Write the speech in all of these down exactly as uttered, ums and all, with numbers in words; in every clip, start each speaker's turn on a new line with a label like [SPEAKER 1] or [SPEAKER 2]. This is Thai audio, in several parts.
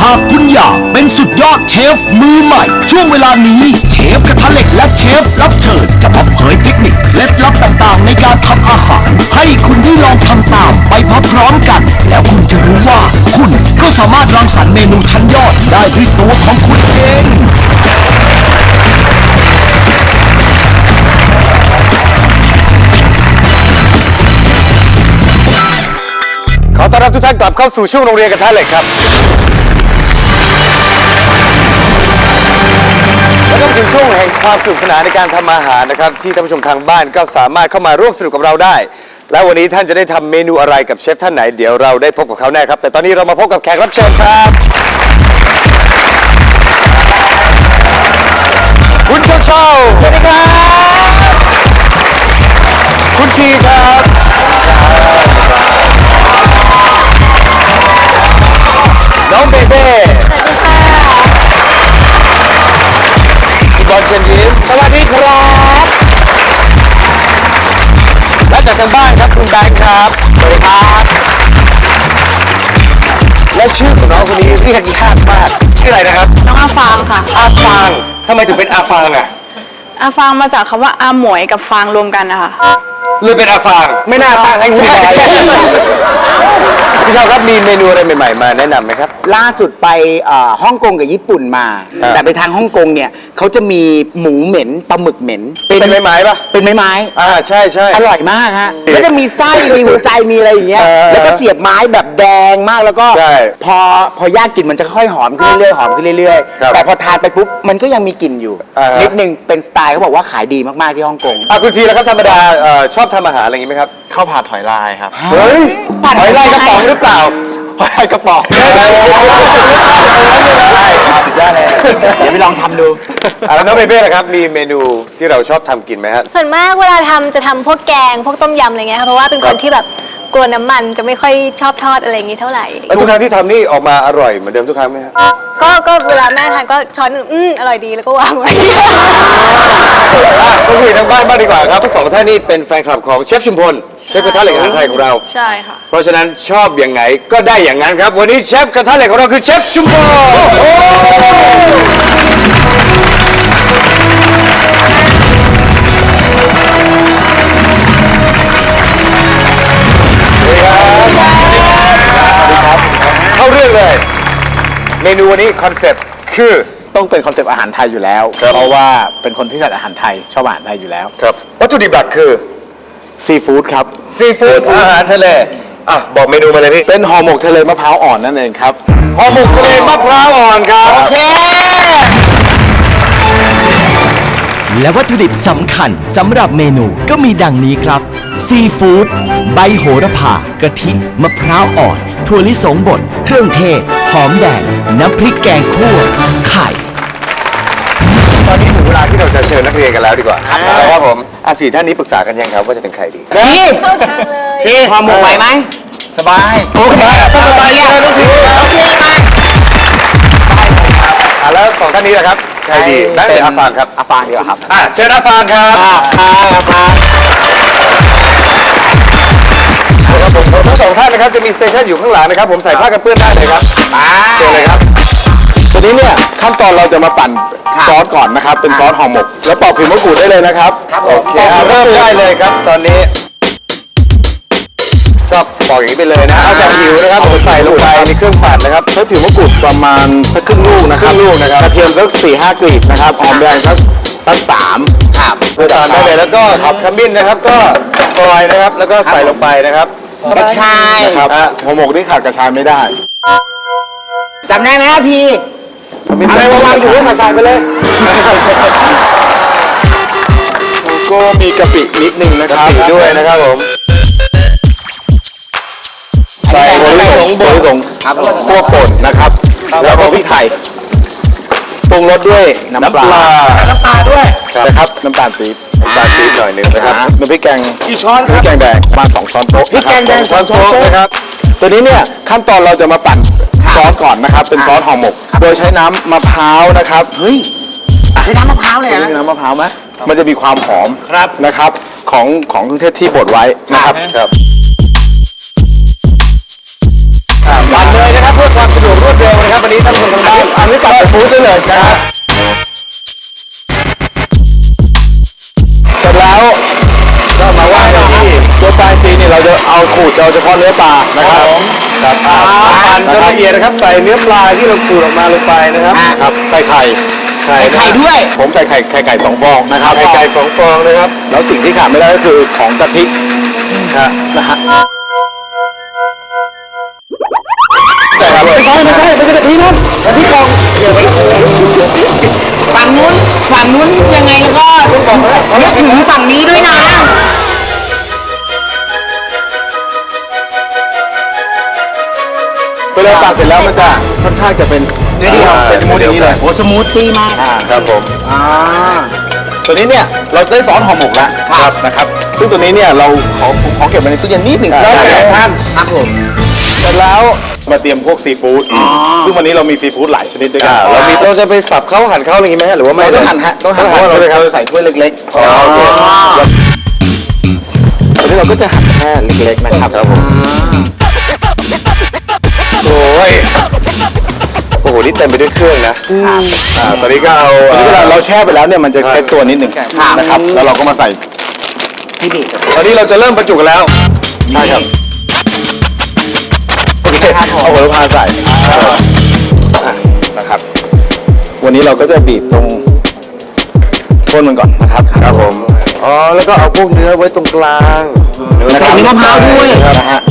[SPEAKER 1] ากคุณอยากเป็นสุดยอดเชฟมือใหม่ช่วงเวลานี้เชฟกระทะเหล็กและเชฟรับเชิญจะมาเผยเทคนิคเคล็ดลับต่างๆในการทำอาหารให้คุณได้ลองทำตามไปพร้อมๆกันแล้วคุณจะรู้ว่าคุณก็สามารถรังสรรค์เมนูชั้นยอดได้ด้วยตัวของคุณเอง
[SPEAKER 2] ขอต้อนรับทุกท่านกลับเข้าสู่ช่วงโรงเรียนกระทะเหล็กครับและก็ถึงช่วงแห่งความสนุกสนานในการทำอาหารนะครับที่ท่านผู้ชมทางบ้านก็สามารถเข้ามาร่วมสนุกกับเราได้และวันนี้ท่านจะได้ทำเมนูอะไรกับเชฟท่านไหนเดี๋ยวเราได้พบกับเขาแน่ครับแต่ตอนนี้เรามาพบกับแขกรับเชิญครับคุณเชาเชาสวัสดีครับคุณชีครับน้องเบเบ้บอลเชนยิ้มสวัสดีครับและจากทางบ้านครับคุณแบงค์ครับสวัสดีครับและชื่อของน้องคนนี้เรียกยากมากชื่ออะไรนะครับ
[SPEAKER 3] น้องอาฟางค่ะ
[SPEAKER 2] อาฟางทำไมถึงเป็นอาฟางอ่ะ
[SPEAKER 3] อาฟางมาจากคำว่าอาหมวยกับฟางรวมกันนะคะ
[SPEAKER 2] เลยเป็นอาฟางไม่น่าตั้งให้คุณบอยพี่ชาวครับมีเมนูอะไรใหม่ๆมาแนะนำไหมครับ
[SPEAKER 4] ล่าสุดไปฮ่องกงกับญี่ปุ่นมาแต่ไปทางฮ่องกงเนี่ยเขาจะมีหมูเหม็นปลาหมึกเหม็น
[SPEAKER 2] เป็นไม้ไม้ปะ
[SPEAKER 4] เป็นไม้ไม้
[SPEAKER 2] อ่าใช่ใช่
[SPEAKER 4] อร่อยมากฮะแล้วจะมีไส้มีหัวใจมีอะไรอย่างเงี้ยแล้วก็เสียบไม้แบบแดงมากแล้วก็พอพอย่างกลิ่นมันจะค่อยหอมขึ้นเรื่อยๆหอมขึ้นเรื่อยๆแต่พอทานไปปุ๊บมันก็ยังมีกลิ่นอยู่นิดนึงเป็นสไตล์เขาบอกว่าขายดีมากๆที่ฮ่องกง
[SPEAKER 2] อ่ะคุณทีแล้วครับธรรมดาชอบทำอาหารอะไรอย่างงี้ไหมครับ
[SPEAKER 5] ข้าวผัดหอยลายครับ
[SPEAKER 2] เฮ้ยหอยลายกระป๋องหรือเปล่า
[SPEAKER 5] หอยลายกระป๋อง
[SPEAKER 4] สุดยอดเลยเดี๋ยวไปลองทำดู
[SPEAKER 2] แล้วน้องเบเบ้ล่ะครับมีเมนูที่เราชอบทำกินไหมครับ
[SPEAKER 6] ส่วนมากเวลาทำจะทำพวกแกงพวกต้มยำอะไรเงี้ยเพราะว่าเป็นคนที่แบบกลัวน้ำมันจะไม่ค่อยชอบทอดอะไรอย่างงี้เท่าไหร่
[SPEAKER 2] แล้วทุกครั้งที่ทำนี่ออกมาอร่อยเหมือนเดิมทุกครั้งไหมครับ
[SPEAKER 6] ก็ก็เวลาแม่ทานก็ช้อนอืมอร่อยดีแล้วก็วางไว้
[SPEAKER 2] มาคุยทางบ้านบ้างดีกว่าครับทั้งสองท่านนี่เป็นแฟนคลับของเชฟชุมพลเชฟกระทะเหล็กอาหารไทยของเรา
[SPEAKER 3] ใช่ค่ะ
[SPEAKER 2] เพราะฉะนั้นชอบอย่างไงก็ได้อย่างนั้นครับวันนี้เชฟกระทะเหล็กของเราคือเชฟชุมพลเข้าเรื่องเลยเมนูวันนี้คอนเซ็ปต์คือ
[SPEAKER 5] ต้องเป็นคอนเซ็ปต์อาหารไทยอยู่แล้วเพราะว่าเป็นคนที่ชอบอาหารไทยชอบอาหารไทยอยู่แล้ว
[SPEAKER 2] ครับวัตถุดิบหลักคือ
[SPEAKER 5] ซีฟู้ดครับ
[SPEAKER 2] ซีฟู้ดอาหารทะเลอ่ะบอกเมนูมาเลยพี่
[SPEAKER 5] เป็นห่อหมกทะเลมะพร้าวอ่อนนั่นเองครับ
[SPEAKER 2] ห่อหมกทะเลมะพร้าวอ่อนครับโอเค
[SPEAKER 1] และวัตถุดิบสำคัญสำหรับเมนูก็มีดังนี้ครับซีฟู้ดใบโหระพากะทิมะพร้าวอ่อนถั่วลิสงบดเครื่องเทศหอมแดงน้ำพริกแกงคั่วไข่
[SPEAKER 2] ตอนนี้ถึงเวลาที่เราจะเชิญนักเรียนกันแล้วดีกว่าครับผมอาสี่ท่านนี้ปรึกษากันยังครับว่าจะเป็นใครดี
[SPEAKER 4] พี่พี่ห่อหมกไหวไหม
[SPEAKER 2] สบายโอเคสบายเลยทุกทีอ่ะแล้วสองท่านนี้แหละครับใครดีนั่นเป็นอาฟานครับ
[SPEAKER 4] อาฟานดีกว่าครับ
[SPEAKER 2] อ่ะเชิญอาฟานครับ
[SPEAKER 4] อาฟาน
[SPEAKER 2] ครับผมทั้งสองท่านนะครับจะมีสเตชันอยู่ข้างหลังนะครับผมใส่ผ้ากันเปื้อนได้เลยครับเชิญเลยครับ
[SPEAKER 5] ทีนี้เนี่ยขั้นตอนเราจะมาปั่นซอสก่อนนะครับเป็นซอสห่อหมกแล้วปอกผิวมะกรูดได้เลยนะครับ
[SPEAKER 2] โอเคเริ่มได้เลยครับตอนนี้ก็ปอกอย่างนี้ไปเลยนะเอาจากผิวนะครับผมใส่ลงไปในเครื่องปั่นนะครับ
[SPEAKER 5] ใช้ผิวมะกรูดประมาณสักครึ่งลูกนะครับ
[SPEAKER 2] ครึ่งลูกนะครับ
[SPEAKER 5] กระเทียมสักสี่ห้ากลีบนะครับหอมแดงสักสักสาม
[SPEAKER 2] ครับเพื่อตามได้เลยแล้วก็ขมิ้นนะครับก็ซอยนะครับแล้วก็ใส่ลงไปนะครับ
[SPEAKER 4] กระชาย
[SPEAKER 5] นะครับห่อหมกนี่ขาดกระชายไม่ได้
[SPEAKER 4] จำได้ไหมครับพี่
[SPEAKER 2] อะไรวางอยู่ใส่ไปเลย
[SPEAKER 5] ก็มีกะปินิดนึงนะครับ
[SPEAKER 2] ด้วยนะครับผม
[SPEAKER 5] ใส่ถั่วลิสงถั่วลิสงพวกป่นนะครับแล้วก็พริกไทยปรุงรสด้วยน้ำปลา
[SPEAKER 4] น้ำปลาด้วย
[SPEAKER 5] นะครับน้ำตาลปี๊บ
[SPEAKER 2] น้ำตาลปี๊บหน่อยนึงนะครับ
[SPEAKER 5] น้ำพริกแกง
[SPEAKER 2] กี่ช้อน
[SPEAKER 5] พริกแกงแดงประมาณสองช้อนโต๊ะ
[SPEAKER 4] พริกแกงแดงสองช้อนโต๊ะ
[SPEAKER 5] นะครับตัวนี้เนี่ยขั้นตอนเราจะมาปั่นซอสก่อนนะครับเป็นซอสห่อหมกโดยใช้น้ำมะพร้าวนะครับ
[SPEAKER 4] เฮ้ยใช้น้ำมะพร้าวเลยนะ
[SPEAKER 5] ใช้น้ำมะพร้าวไหมมันจะมีความหอม
[SPEAKER 2] ครับ
[SPEAKER 5] นะครับของของเครื่องเทศที่บดไว้นะครับ
[SPEAKER 2] ครับปั่นเลยนะครับเพื่อความสะดวกรวดเร็วนะครับวันนี้ท่านผู้
[SPEAKER 5] เลยนะครับเสร็จแล้วก็มาว่างกันที่ตัวปลาอินทรีย์นี่เราจะเอาขูดเอาเฉพาะเนื้อปลานะครับครับปั่นจนละเอียดนะครับใส่เนื้อปลาที่เราขูดออกมาลงไปนะครับครับใส่ไข่ไข่
[SPEAKER 4] ไข่ด้วย
[SPEAKER 5] ผมใส่ไข่ไข่ไก่สองฟองนะครับไข่ไก่สองฟองนะครับแล้วสิ่งที่ขาดไม่ได้ก็คือของกะทินะฮะแต่ไม่ใช่ไม่ใช่ไม่ใช่กะทินะกะทิกอง
[SPEAKER 4] ฝั่งนู้นฝั่งนู้นยังไงแล้วก็นึกถึงฝั่งนี้ด้วยนะ
[SPEAKER 5] เวลาตัดเสร็จแล้วมันจะค่อนข้างจะเป็นเนื้อเดียวเป็นมูดอย่างนี้เลย
[SPEAKER 4] โอ้สมูทตี้มาก
[SPEAKER 5] อ่าครับผม
[SPEAKER 4] อ่า
[SPEAKER 5] ตัวนี้เนี่ยเราได้ซอสห่อหมกแล้วครับนะครับซึ่งตัวนี้เนี่ยเราขอขอเก็บไว้ในตู้เย็นนิดหนึ่งได้ครับท่าน
[SPEAKER 4] ครับผม
[SPEAKER 5] เสร็จแล้วมาเตรียมพวกซีฟู้ดซึ่งวันนี้เรามีซีฟู้ดหลายชนิดด้วยกัน
[SPEAKER 2] เรามีเราจะไปสับเขาหั่นเขาอะไรอย่างงี้ไหมฮะหรือว่าไม่
[SPEAKER 5] เราต้องหั่นฮะต้องหั่นเพราะว่าเราจะใส่ถ้วยเล็กๆ
[SPEAKER 2] อ๋อโอเค
[SPEAKER 5] ตอนนี้เราก็จะหั่นแค่เล็กๆนะครับครับผม
[SPEAKER 2] โอ้ยโอ้โหนี่เต็มไปด้วยเครื่องนะอ่าตอนนี้ก็เอา
[SPEAKER 5] ตอนนี้เวลาเราแช่ไปแล้วเนี่ยมันจะเซ็ตตัวนิดหนึ่งนะครับแล้วเราก็มาใส่
[SPEAKER 4] ที่นี่
[SPEAKER 2] ตอนนี้เราจะเริ่มบรรจุกันแล้ว
[SPEAKER 5] ใช่ครับโอเคเอาหัวละพาใส่นะครับวันนี้เราก็จะบีบตรงก้นมันก่อนนะครับครับผม
[SPEAKER 2] อ๋อแล้วก็เอาพวกเนื้อไว้ตรงกลาง
[SPEAKER 4] ใส่เนื้อมะพร้าวด้วย
[SPEAKER 5] นะฮะ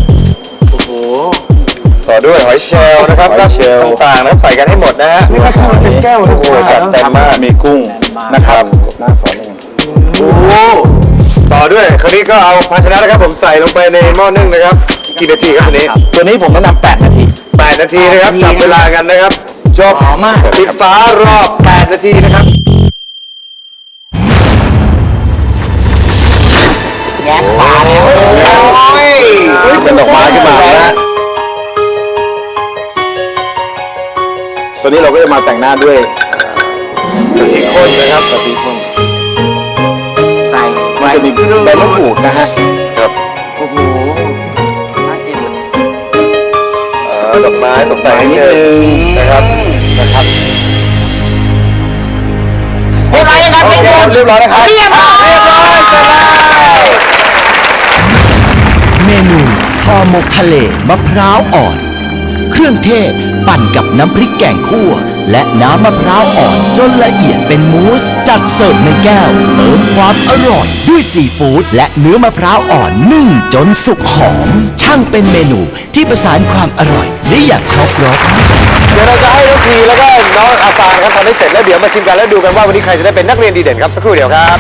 [SPEAKER 2] ต่อด้วยหอยเชลล์นะครับ
[SPEAKER 5] หอยเชลล์
[SPEAKER 2] ต่างๆนะครับใส่กันให้หมดนะฮะนี่ก็คือเป็นแก้วโอ้โหจัดเต็มมาก
[SPEAKER 5] มีกุ้งนะครับหน้าสอนเอง
[SPEAKER 2] โอ้โหต่อด้วยคราวนี้ก็เอาภาชนะนะครับผมใส่ลงไปในหม้อนึ่งนะครับกี่นาทีครับตัวนี้
[SPEAKER 5] ตัวนี้ผมต้องนำแปดนาที
[SPEAKER 2] แปดนาทีนะครับจับเวลากันนะครับจบปิดฟ้ารอบแปดนาทีนะครับ
[SPEAKER 4] แง้มฝาแล้ว
[SPEAKER 2] โอ้ย
[SPEAKER 5] เป็นดอกไม้ขึ้นมานะฮะตัวนี้เราก็จะมาแต่งหน้าด้วย
[SPEAKER 2] กะทิข้นนะครับ
[SPEAKER 5] กะทิข้น
[SPEAKER 4] ใส่
[SPEAKER 5] มันจะมีใบมะกรูดนะฮะครับ
[SPEAKER 4] โอ้โหน่ากิน
[SPEAKER 2] เอ่อดอกไม้ตกแต่งนิดนึงนะครับนะครับ
[SPEAKER 4] เรียบร้อยยังครับ
[SPEAKER 2] โอ
[SPEAKER 4] เชฟ
[SPEAKER 2] เค
[SPEAKER 4] ผม
[SPEAKER 2] เรียบร้อยนะครับ
[SPEAKER 4] เรียบร้อย
[SPEAKER 2] เรียบร้อยเสร็จแล้ว
[SPEAKER 1] เมนูห่อหมกทะเลมะพร้าวอ่อน เครื่องเทศปั่นกับน้ำพริกแกงคั่ว และน้ำมะพร้าวอ่อนจนละเอียดเป็นมูสจัดเสิร์ฟในแก้วเติมความอร่อยด้วยซีฟู้ดและเนื้อมะพร้าวอ่อนนึ่งจนสุกหอม ช่างเป็นเมนูที่ประสานความอร่อยได้อย่างครบรส
[SPEAKER 2] เดี๋ยวเราจะให้น้องทีแล้วก็น้องอาฟานครับทำให้เสร็จแล้วเดี๋ยวมาชิมกันแล้วดูกันว่าวันนี้ใครจะได้เป็นนักเรียนดีเด่นครับสักครู่เดียวครับ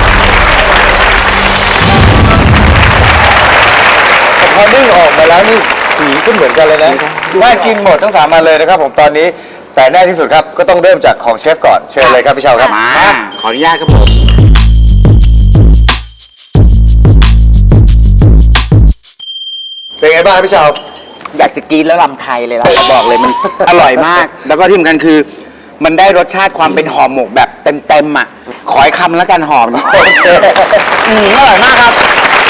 [SPEAKER 2] แต่พอนึ่งออกมาแล้วนี่สีก็เหมือนกันเลยนะน่ากินหมดทั้งสามอันเลยนะครับผมตอนนี้แต่แน่ที่สุดครับก็ต้องเริ่มจากของเชฟก่อนเชิญเลยครับพี่เชาครับ
[SPEAKER 4] มาขออนุญาตครับผม
[SPEAKER 2] เป็นไงบ้างครับพี่เชา
[SPEAKER 4] อยากจะกินแล้วลำไทยเลยล่ะบอกเลยมันอร่อยมาก แล้วก็ที่สำคัญคือ มันได้รสชาติความเป็นห่อหมกแบบเต็มๆอ่ะ ขอให้คำแล้วกันหอมอร่อยมากครับ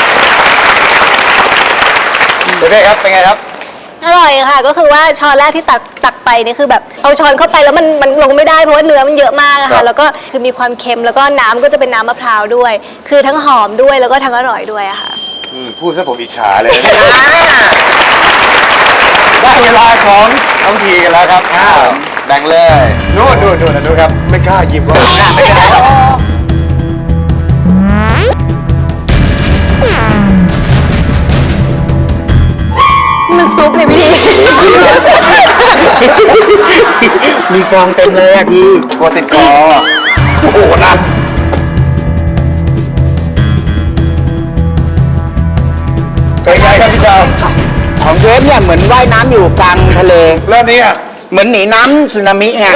[SPEAKER 2] เด็กๆครับเป็นไงครับ
[SPEAKER 6] อร่อยค่ะ ก็คือว่าช้อนแรกที่ตักตักไปนี่คือแบบเอาช้อนเข้าไปแล้วมันมันลงไม่ได้เพราะว่าเนื้อมันเยอะมากอะ
[SPEAKER 2] ครั
[SPEAKER 6] ค่ะ
[SPEAKER 2] บ
[SPEAKER 6] แล้วก็คือมีความเค็มแล้วก็น้ำก็จะเป็นน้ำมะพร้าวด้วย คือทั้งหอมด้วยแล้วก็ทั้งอร่อยด้วยอะค่ะ
[SPEAKER 2] อืมพูดซะผมอิจฉาเลยนะได้เวลาของน้องทีกันแล้วครับอ้าวแบ่งเลยนู่นนู่นนู่นนู่นครับไม่กล้าหยิบว่าไม่ได้หรอก
[SPEAKER 6] มันซุปเลยพี่ที
[SPEAKER 4] มีฟองเต็มเลยอะที
[SPEAKER 2] กลัวติดคอโอ้โหนะเป็นไงครับพี่ชาว
[SPEAKER 4] ของเชฟเนี่ยเหมือนว่ายน้ำอยู่กลางทะเล
[SPEAKER 2] แล้วเนี่ย
[SPEAKER 4] เหมือนหนีน้ำสึนามิไง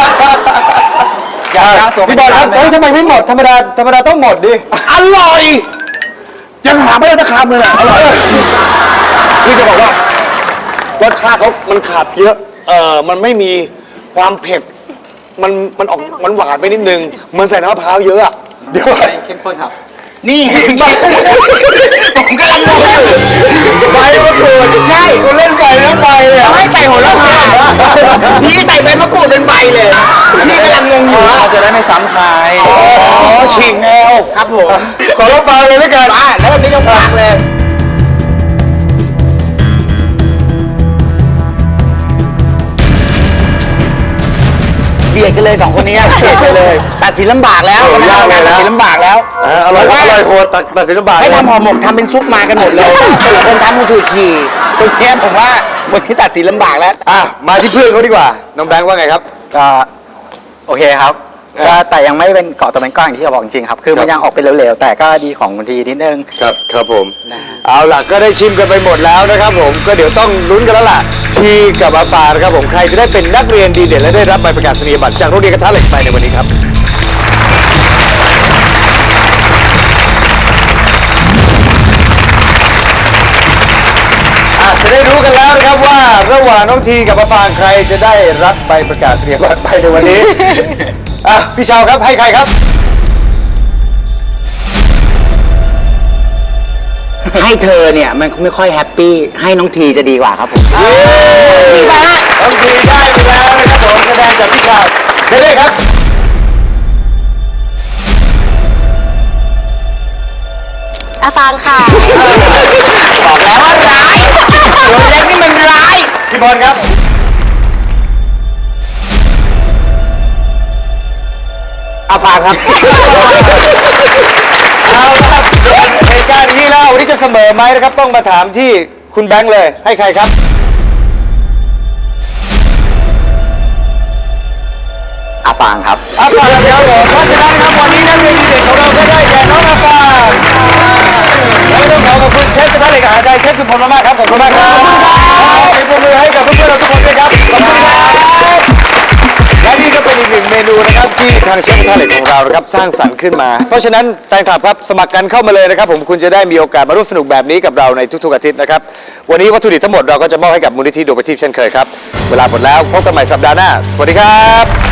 [SPEAKER 2] พี่บอลครับเฮ้ยทำไมไม่หมดธรรมดาธรรมดาต้องหมดดิ
[SPEAKER 5] อร่อย ยังหาไม่ได้สักคำเลยนะอร่อยคือจะบอกว่ารสชาติเขามันขาดเยอะเออมันไม่มีความเผ็ดมันมันออกมันหวานไปนิดนึงเหมือนใส่น้ำมะพร้าวเยอะอะเดี๋ยวเข้มข้นครับ
[SPEAKER 4] นี่เห็นไหมผมกำลังงงอยู่
[SPEAKER 2] ใบมะกรูด
[SPEAKER 4] ใช่
[SPEAKER 2] คุณเล่นใส่น้ำใบเลย
[SPEAKER 4] เขาให้ใส่โหระพาที่ใส่ใบมะกรูดปูดเป็นใบเลยพี่กำลังงงอยู่ว่าจะได้ไม่ซ้ำใคร
[SPEAKER 2] อ๋อฉีกแนว
[SPEAKER 4] ครับผม
[SPEAKER 2] ขอรับฟังเลยแล้วกัน
[SPEAKER 4] อ่ะแล้ววันนี้ต้องฟังเลยเบียดกันเลยสองคนนี้เบียดกันเลยตัดสินลำบากแล้ว
[SPEAKER 2] โอ้
[SPEAKER 4] วันนี้
[SPEAKER 2] ยากเลย
[SPEAKER 4] ตัด
[SPEAKER 2] นะ
[SPEAKER 4] สินลำบากแล้ว
[SPEAKER 2] อ่าอร่อย
[SPEAKER 4] เพาะ
[SPEAKER 2] อ
[SPEAKER 4] ว่า
[SPEAKER 2] ร่อยโหดตัดตัดสินลำบาก
[SPEAKER 4] ให้
[SPEAKER 2] เลย
[SPEAKER 4] ทำห่อหมกทำเป็นซุปมากันหมดเลยคนทำมูชูชีตรงเนี้ยผมว่าวันนี้ตัดสินลำบากแล้ว
[SPEAKER 2] อ่ะมาที่เพื่อนเขาดีกว่าน้องแบงค์ว่าไงครับ
[SPEAKER 7] ก็โอเคครับก็แต่ยังไม่เป็นเกาะตัวเป็นก้อนอย่างที่เขาบอกจริงๆครับคือมันยังออกเป็นเหลวๆแต่ก็ดีของคุณทีนิดนึง
[SPEAKER 2] ครับครับผมเอาล่ะก็ได้ชิมกันไปหมดแล้วนะครับผมก็เดี๋ยวต้องลุ้นกันแล้วล่ะทีกับอาฟานะครับผมใครจะได้เป็นนักเรียนดีเด่นและได้รับใบประกาศนียบัตรจากโรงเรียนกระทะเหล็กไปในวันนี้ครับอ่ะจะได้รู้กันแล้วนะครับว่าระหว่างน้องทีกับอาฟางใครจะได้รับใบประกาศนียบัตรไปในวันนี้ อ่ะพี่ชาวครับให้ใครครับ
[SPEAKER 4] ให้เธอเนี่ยมันไม่ค่อยแฮปปี้ให้น้องทีจะดีกว่าครับผม
[SPEAKER 2] ดีมากน้องทีได้ไปแล้วนะครับผมคะแนนจากพี่ชาวได้เลยครับ
[SPEAKER 6] อาฟางค่ะ
[SPEAKER 4] บอกแล้วว่าร้ายตัวเล็กนี่มันร้าย
[SPEAKER 2] พี่บอลครับ
[SPEAKER 4] อาฟางครับ
[SPEAKER 2] เอาละครับเหตุการณ์นี้แล้ววันนี้จะเสมอไหมนะครับ ต้องมาถามที่คุณแบงค์เลย ให้ใครครับ
[SPEAKER 7] อาฟางครับ
[SPEAKER 2] อาฟางครับผมเพราะฉะนั้นครับวันนี้นักเรียนดีเด่นของเราก็ได้แก่น้องอาฟางและต้องขอขอบคุณเชฟกระทะเหล็กอาหารไทยเชฟสุพลมากๆครับขอบคุณมากครับขอเสียงปรบมือให้กับเพื่อนๆเราทุกคนด้วยครับขอบคุณครับและนี่ก็เป็นอีกหนึ่งเมนูนะครับที่ทางเชฟกระทะเหล็กของเรานะครับสร้างสรรค์ขึ้นมา เพราะฉะนั้นแฟนคลับครับสมัครกันเข้ามาเลยนะครับผมคุณจะได้มีโอกาสมาร่วมสนุกแบบนี้กับเราในทุกๆอาทิตย์นะครับวันนี้วัตถุดิบทั้งหมดเราก็จะมอบให้กับมูลนิธิดวงประทีปเช่นเคยครับเวลาหมดแล้วพบกันใหม่สัปดาห์หน้าสวัสดีครับ